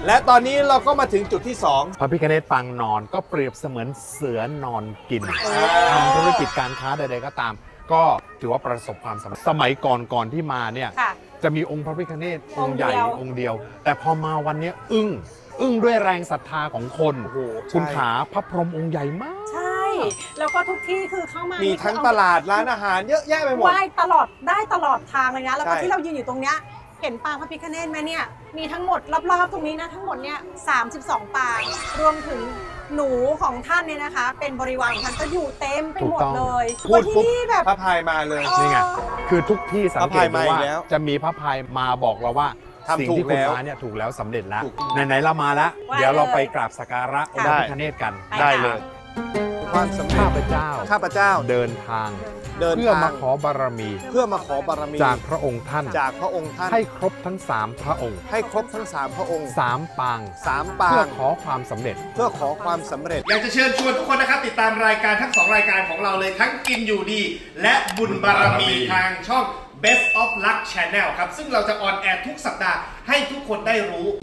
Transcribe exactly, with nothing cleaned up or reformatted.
และตอนนี้เราก็มาถึงจุดที่สองพระพิฆเนศปางนอนก็เปรียบเสมือนเสือนอนกินทำธุรกิจการค้าใดๆก็ตาม ก็ถือว่าประสบความสำเร็จสมัยก่อนก่อนที่มาเนี่ยจะมีองค์พระพิฆเนศองค์ใหญ่องค์เดียว แต่พอมาวันนี้อึ้งอึ้งด้วยแรงศรัทธาของคนคุณขาพระพรหมองค์ใหญ่มากใช่แล้วก็ทุกที่คือเข้ามามีมีทั้งตลาดร้านอาหารเยอะแยะไปหมดไหว้ตลอดได้ตลอดทางเลยนะแล้วก็ที่เรายืนอยู่ตรงเนี้ยเห็นปางพระพิฆเนศไหมเนี่ยมีทั้งหมดรอบๆตรงนี้นะทั้งหมดเนี่ยสามสิบสองปางรวมถึงหนูของท่านเนี่ยนะคะเป็นบริวารของท่านก็อยู่เต็มไปหมดเลยพูดปุ๊บพระพายมาเลยนี่ไงคือทุกที่สังเกตดูว่าแล้วจะมีพระพายมาบอกเราว่าสิ่งที่คุณมาเนี่ยถูกแล้วสำเร็จแล้วไหนๆเรามาแล้วเดี๋ยวเราไปกราบสักการะองค์พระพิฆเนศกันได้เลยความสำเร็จข้าพเจ้าข้าพเจ้าเดินทางเดินเพื่อทางมาขอบารมีเพื่อมาขอบารมีจากพระองค์ท่านจากพระองค์ท่านให้ครบทั้งสามพระองค์ให้ครบทั้งสามพระองค์สามปางสามปางเพื่อขอความสำเร็จเพื่อขอความสำเร็จอยากจะเชิญชวนทุกคนนะครับติดตามรายการทั้งสองรายการของเราเลยทั้งกินอยู่ดี และบุญบารมีทางช่อง Best of Luck Channel ครับซึ่งเราจะออนแอร์ทุกสัปดาห์ให้ทุกคนได้รู้